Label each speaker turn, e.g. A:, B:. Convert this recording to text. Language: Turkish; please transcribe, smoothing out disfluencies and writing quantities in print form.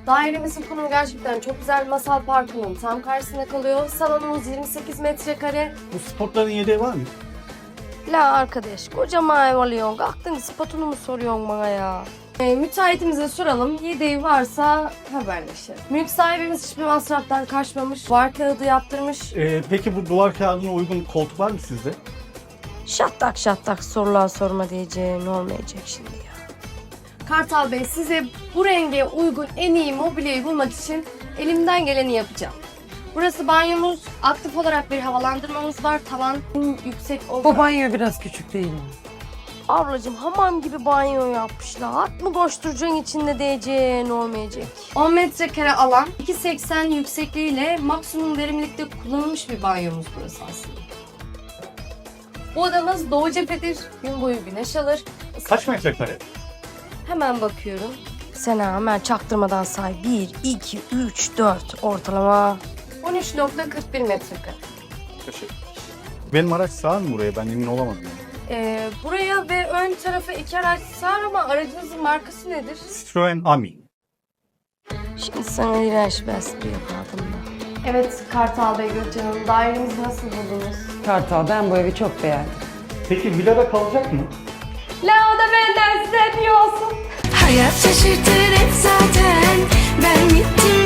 A: Dairemizin konumu gerçekten çok güzel. Masal Parkı'nın tam karşısında kalıyor. Salonumuz 28 metrekare.
B: Bu spotların yedeği var mı?
A: La arkadaş, kocaman ev alıyorsun. Kalktın spotunu mu soruyorsun bana ya? Müteahhitimize soralım. Yedeği varsa haberleşelim. Mülk sahibimiz hiçbir masraftan kaçmamış. Duvar kağıdı yaptırmış.
B: Peki bu duvar kağıdına uygun koltuk var mı sizde?
A: Şattak şattak sorular sorma diyeceğin olmayacak şimdi ya. Kartal Bey, size bu renge uygun en iyi mobilyayı bulmak için elimden geleni yapacağım. Burası banyomuz. Aktif olarak bir havalandırmamız var. Tavan yüksek
C: Bu
A: oldu.
C: banyo biraz küçük değil mi?
A: Ablacığım hamam gibi banyo yapmışlar. At mı koşturacaksın içinde diyeceğin olmayacak. 10 metrekare alan, 2.80 yüksekliğiyle maksimum verimlilikte kullanılmış bir banyomuz burası aslında. Bu odamız doğu cephedir. Gün boyu güneş alır.
B: Kaç metrekare?
A: Hemen bakıyorum. Sen hemen çaktırmadan say. 1, 2, 3, 4 ortalama. 13.41 metrekare.
B: Teşekkür. Benim araç sığar mı buraya? Ben emin olamadım.
A: Buraya ve ön tarafa 2 araç sığar ama aracınızın markası nedir?
B: Citroen Ami.
A: Şimdi sana iğrenç bir espri yapardım da. Evet Kartal Bey, Gökçen Hanım, dairemizi nasıl buldunuz?
C: Kartal, ben bu evi çok beğendim.
B: Peki villada kalacak mı?
A: La o da benden size hediye olsun.
D: Hayat şaşırtır hep zaten. Ben gittim